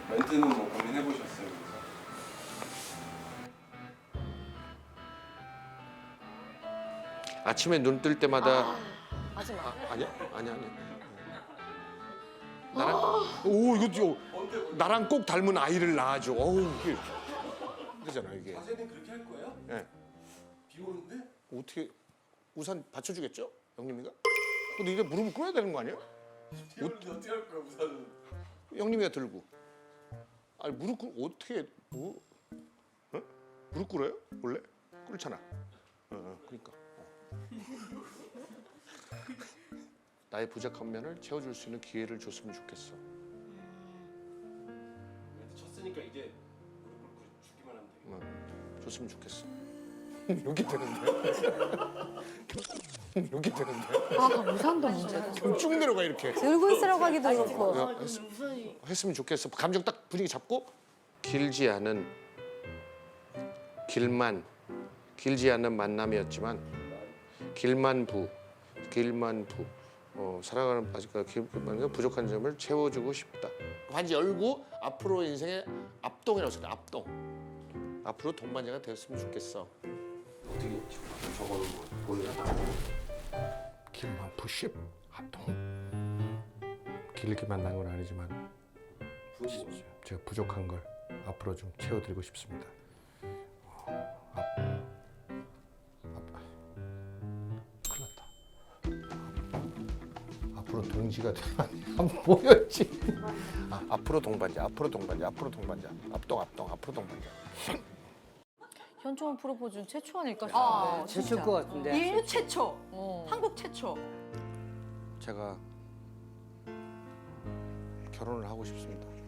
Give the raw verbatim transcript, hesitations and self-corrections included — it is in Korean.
멘트는 뭐 고민해 보셨어요? 그래서? 아침에 눈 뜰 때마다 하지 마. 아, 아니야? 아니야 아니야. 나랑 오 이거 저 나랑 꼭 닮은 아이를 낳아줘. 어우 이게 그러잖아 이게. 자세는 그렇게 할 거예요? 예. 비 오는데? 어떻게 우산 받쳐주겠죠? 형님이가? 근데 이제 무릎을 꿇어야 되는 거 아니야? 비 오는데 어떻게 할 거야 우산은? 형님이가 들고. 아니 무릎 꿇 어떻게 뭐? 어? 무릎 꿇어요? 원래 꿇잖아. 어, 어 그러니까. 어. 나의 부족한 면을 채워줄 수 있는 기회를 줬으면 좋겠어. 멘트 쳤으니까 이제 무릎 꿇고 주기만 하면 되겠다. 어, 줬으면 좋겠어. 여기 되는데? 여기 되는데? 아 우산도 문제다. 쭉 내려가 이렇게. 들고 있으라고 하기도 그렇고. 야, 했, 했으면 좋겠어. 감정 딱 분위기 잡고 길지 않은 길만 길지 않은 만남이었지만 길만부 길만부 어, 살아가는 아직까지 길만 부족한 점을 채워주고 싶다. 반지 열고 앞으로 인생의 앞동이라고 써요. 앞동. 앞으로 동반자가 되었으면 좋겠어. 어떻게 저거는 뭐 보여요? 길만부 십 앞동. 길게 만난 건 아니지만 제가 부족한 걸 앞으로 좀 채워드리고 싶습니다. 어, 앞, 앞, 큰일 났다. 앞으로 동지가 되면 안 보였지. 아, 앞으로 동반자, 앞으로 동반자, 앞으로 동반자, 앞동, 앞동, 앞으로 동반자. 현충원 프로포즈는 최초 아닐까 싶은데. 아, 진짜. 최초일 것 같은데. 인류 최초, 어. 한국 최초. 제가 결혼을 하고 싶습니다.